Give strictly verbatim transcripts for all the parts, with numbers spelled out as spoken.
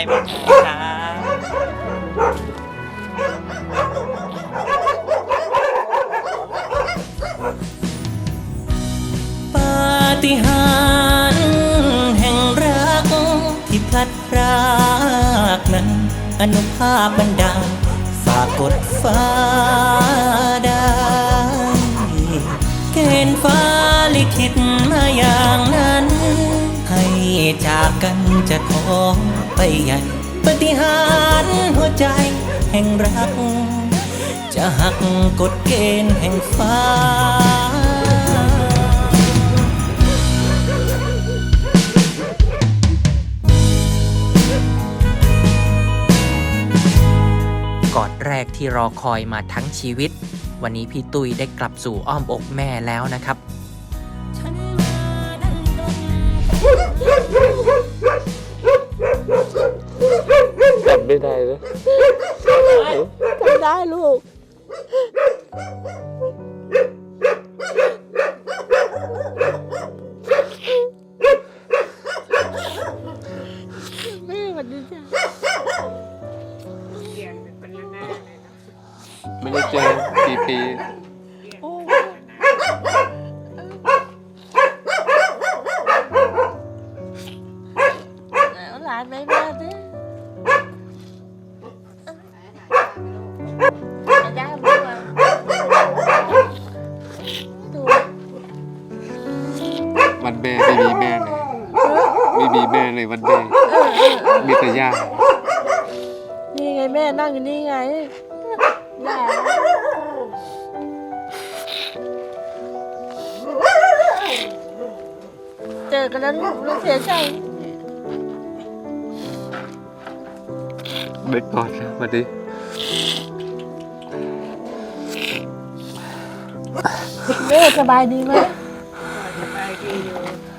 บ้างครับปาฏิหาริย์แห่งรักที่พลัดพรากนั้นอนุภาพบันดาลฝากกดฟ้าได้เกณฑ์ฟ้าลิขิตมาอย่างนั้นให้จากกันจะขอไปใหญ่ปาฏิหาริย์หัวใจแห่งรักจะหักกฎเกณฑ์แห่งฟ้ากอดแรกที่รอคอยมาทั้งชีวิตวันนี้พี่ตุ้ยได้กลับสู่อ้อมอกแม่แล้วนะครับจำไม่ได้เลยจำได้ลูกแม่สวัสดีจ้ะไม่ได้เจอกี่ปีหลานไม่มาดิย่าบุกมาดูวันแม่ไม่มีแม่เลยไม่มีแม่เลยวันแม่มีแต่ย่านี่ไงแม่นั่งอยู่นี่ไงย่าเจอกันแล้วลูกลูกเสียใจไม่กอดแล้ววันนี้แม่สบายดีไหมสบายดีอยู่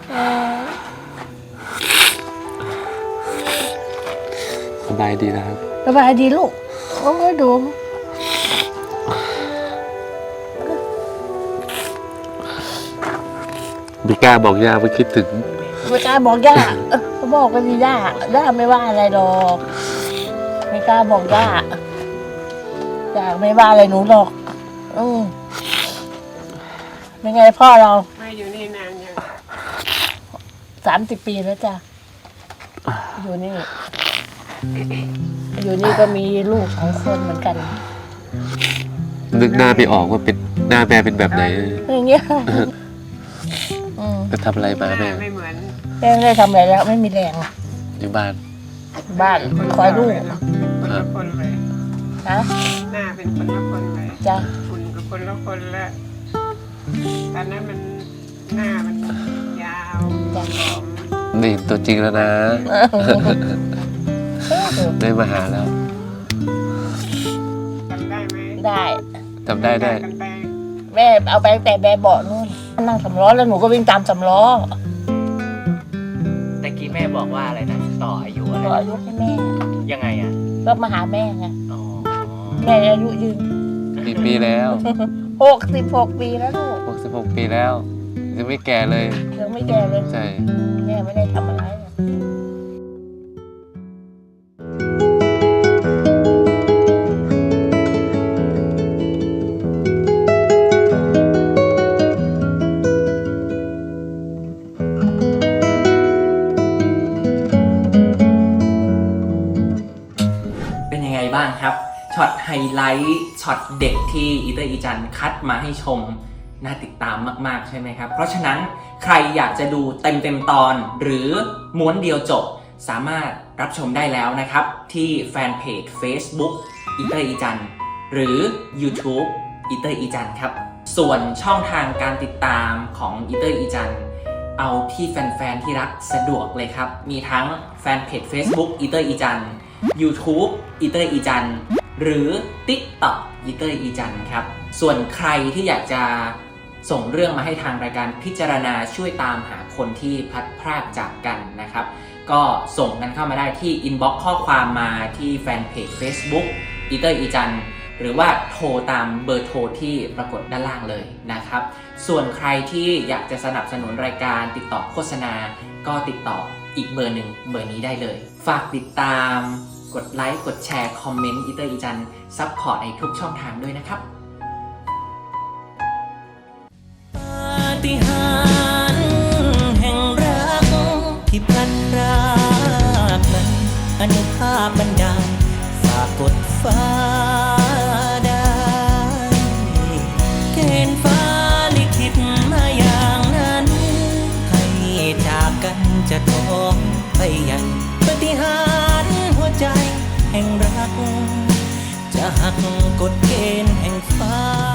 สบายดีนะครับสบายดีลูกโอ้ยดูไม่กล้าบอกย่าว่าคิดถึงไม่กล้าบอกย่าเขาบอกว่าดีย่าย่าไม่ว่าอะไรหรอกไม่กล้าบอกย่าย่าไม่ว่าอะไรหนูหรอกอืมเป็นไงพ่อเราไม่อยู่นี่นานยังสามสิบปีแล้วจ้ะอยู่นี่อยู่นี่ก็มีลูกสองคนเหมือนกันนึกหน้าไปออกว่าเป็นหน้าแม่เป็นแบบไหนอย่างเงี้ยไปทำอะไรมาแม่ไม่เหมือนแม่ไม่ได้ทำอะไรแล้วไม่มีแรงอยู่บ้านบ้านคอยลูกคนละคนเลยฮะหน้าเป็นคนละคนเลยจ้ะคุณกับคนละคนละตอนนั้นมันหน้ามันยาวนี่ตัวจริงแล้วนะได้มาหาแล้วจำได้ไหมได้จำได้ได้แม่เอาไปแต่แม่เบาะนู่นนั่งสำล้อแล้วหนูก็วิ่งตามสำล้อแต่กี้แม่บอกว่าอะไรนะต่ออายุอะไรต่ออายุให้แม่ยังไงอ่ะก็มาหาแม่ไงแม่อายุยืนกี่ปีแล้วหกสิบหกปีแล้วลูกหกสิบหกปีแล้วยังไม่แก่เลยยังไม่แก่เลยใช่แม่ไม่ได้ทำอะไรบ้างครับช็อตไฮไลท์ช็อตเด็กที่อีเตอร์อีจันคัดมาให้ชมน่าติดตามมากๆใช่ไหมครับเพราะฉะนั้นใครอยากจะดูเต็มเต็มตอนหรือม้วนเดียวจบสามารถรับชมได้แล้วนะครับที่แฟนเพจ Facebook อีเตอร์อีจันหรือ YouTube อีเตอร์อีจันครับส่วนช่องทางการติดตามของอีเตอร์อีจันเอาที่แฟนๆที่รักสะดวกเลยครับมีทั้งแฟนเพจ Facebook อีเตอร์อีจันYouTube อีเตอร์อีจันหรือ TikTok อีเตอร์อีจันครับส่วนใครที่อยากจะส่งเรื่องมาให้ทางรายการพิจารณาช่วยตามหาคนที่พลัดพรากจากกันนะครับก็ส่งกันเข้ามาได้ที่ inbox ข้อความมาที่แฟนเพจ Facebook อีเตอร์อีจันหรือว่าโทรตามเบอร์โทรที่ปรากฏด้านล่างเลยนะครับส่วนใครที่อยากจะสนับสนุนรายการติดต่อโฆษณาก็ติดต่ออีกเบอร์หนึ่งเบอร์นี้ได้เลยฝากติดตามกดไลค์กดแชร์คอมเมนต์อีเตอร์อีจันซัพพอร์ตในทุกช่องทางด้วยนะครับปาฏิหาริย์แห่งรักที่พลันพรากนั้นอนุภาพบันดาลฝากกดฟ้าได้เกณฑ์ฟ้าลิขิตมาอย่างนั้นให้จากกันจะท้องไปใหญ่ปาฏิหาริย์หัวใจแห่งรักจะหักกฎเกณฑ์แห่งฟ้า